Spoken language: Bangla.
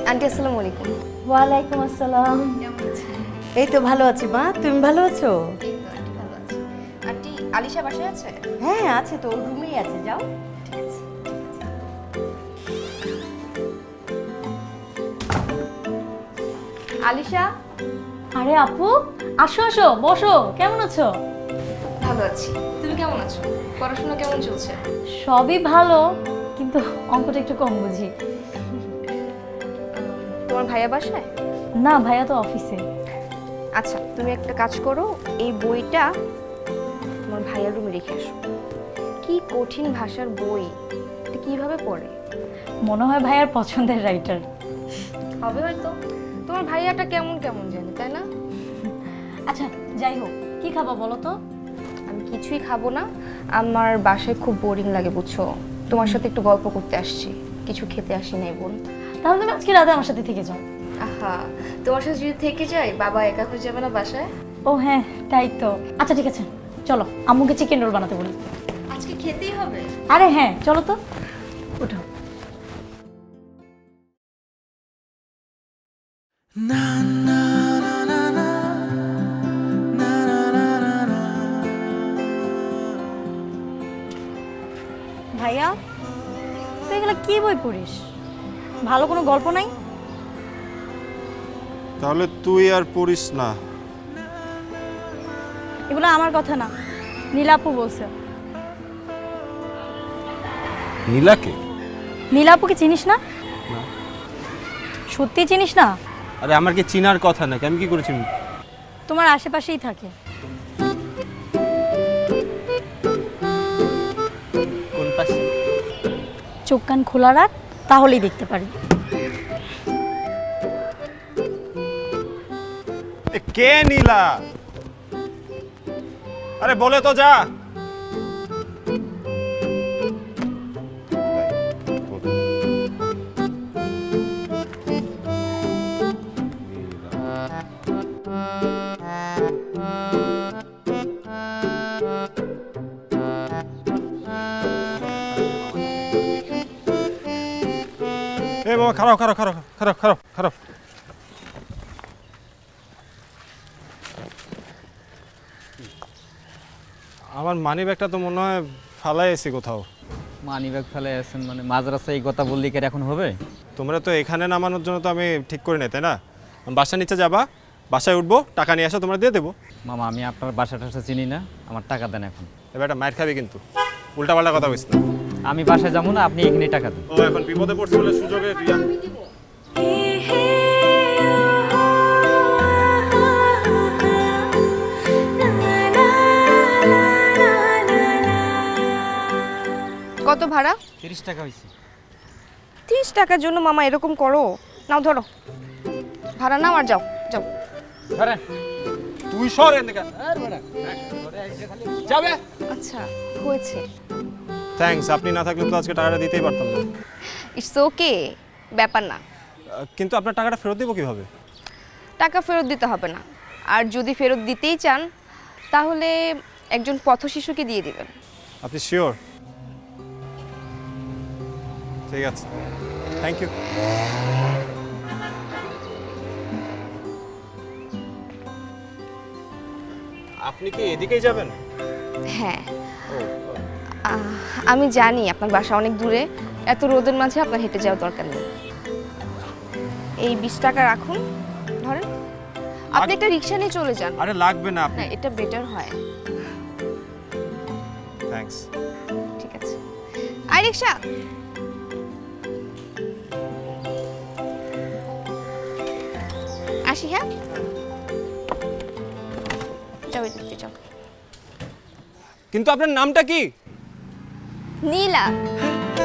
আন্টি আসসালামু আলাইকুম। ওয়ালাইকুম আসসালাম। কেমন আছেন? এই তো ভালো আছি মা, তুমি ভালো আছো? এই তো আন্টি ভালো আছি। আন্টি আলিশা বাসায় আছে? হ্যাঁ আছে তো, রুমেই আছে, যাও। ঠিক আছে। আলিশা, আরে আপু, আসো আসো, বসো। কেমন আছো? ভালো আছি। তুমি কেমন আছো? পড়াশোনা কেমন চলছে? সবই ভালো, কিন্তু অঙ্কটা একটু কম বুঝি। তোমার ভাইয়া বাসায়? না, ভাইয়া তো অফিসে। আচ্ছা, তুমি একটা কাজ করো, এই বইটা তোমার ভাইয়ার রুমে রেখে আসো। কি কঠিন ভাষার বই, এটা কিভাবে পড়ে? মনে হয় ভাইয়ার পছন্দের রাইটার। হবে হয়তো। তোমার ভাইয়াটা কেমন কেমন জানি, তাই না? আচ্ছা, যাই হোক, কি খাবা বলো তো? আমি কিছুই খাবো না, আমার বাসায় খুব বোরিং লাগে বুঝছো। তোমার সাথে একটু গল্প করতে আসছি, কিছু খেতে আসি নাই বোন। তাহলে তুমি আজকে রাতে আমার সাথে থেকে যাও। আহা, তোমার সাথে যদি থেকে যাই বাবা একা হয়ে যাবে না বাসায়? ও হ্যাঁ, তাই তো। আচ্ছা ঠিক আছে, চলো আম্মুকে চিকেন রোল বানাতে বলি। আজকে খেতেই হবে। আরে হ্যাঁ, চলো তো, উঠো। ভাইয়া, তুই এগুলো কি বই পড়িস? ভালো কোনো গল্প নাই? তাহলে তুই আর পড়িস না। এগুলো আমার কথা না, নীলাপু বলছে। নীলাকে? নীলাপুকে চিনিস না? সত্যি চিনিস না? আরে আমার কি চিনার কথা নাকি, আমি কি করেছি? তোমার আশেপাশেই থাকে। কোন পাশে? চোখ কান খোলা রাখ, তাহলেই দেখতে পারবি। কে নীলা? আরে বলে তো যা। এ বাবা, খারাপ খারাপ খারাপ খারাপ খারাপ খারাপ। আমার মানি ব্যাগটা তো মনে হয় ফালাই এসে কোথাও। মানি ব্যাগ ফেলে আছেন মানে মাঝরাস্তায় এই কথা বললি কি আর এখন হবে? তোমরা তো এখানে নামানোর জন্য তো আমি ঠিক করে নাই, তাই না? বাসার নিচে যাবা, বাসায় উঠবো, টাকা নিয়ে আসো, তোমরা দিয়ে দেবো। মামা আমি আপনার বাসা টাসা চিনি না, আমার টাকা দেন এখন। এবার একটা মাইর খাবি কিন্তু, উল্টাপাল্টা কথা বলিস না। আমি বাসায় যাবো না, আপনি এখানেই টাকা দেন। ও এখন বিপদে পড়ছে বলে সুযোগে কত ভাড়া? 30 টাকা হয়েছে। 30 টাকার জন্য মামা এরকম করো? নাও ধরো, ভাড়া নাও আর যাও যাও। ধরেন। তুই সর এখান থেকে। যাবে। আচ্ছা হয়েছে। থ্যাঙ্কস, আপনি না থাকলে তো আজকে টাকাটা দিতেই পারতাম না। ইটস ওকে, ব্যাপার না। কিন্তু আপনার টাকাটা ফেরত দেবো কিভাবে? টাকা ফেরত দিতে হবে না, আর যদি ফেরত দিতেই চান তাহলে একজন পথশিশুকে দিয়ে দিবেন। আপনি শিওর? ঠিক আছে, থ্যাংক ইউ। আপনি কি এদিকেই যাবেন? হ্যাঁ, আমি জানি আপনার বাসা অনেক দূরে, এত রোদের মাঝে আপনার হেঁটে যাওয়ার দরকার নেই। এই 20 টাকা রাখুন, ধরেন। আপনি একটা রিক্সা নিয়ে চলে যান। আরে লাগবে না, আপনি। না, এটা বেটার হয়। থ্যাঙ্কস। ঠিক আছে, আই রিক্সা। আসি, হ্যাঁ যাও, এদিকে যাও। কিন্তু আপনার নামটা কি? নীলা।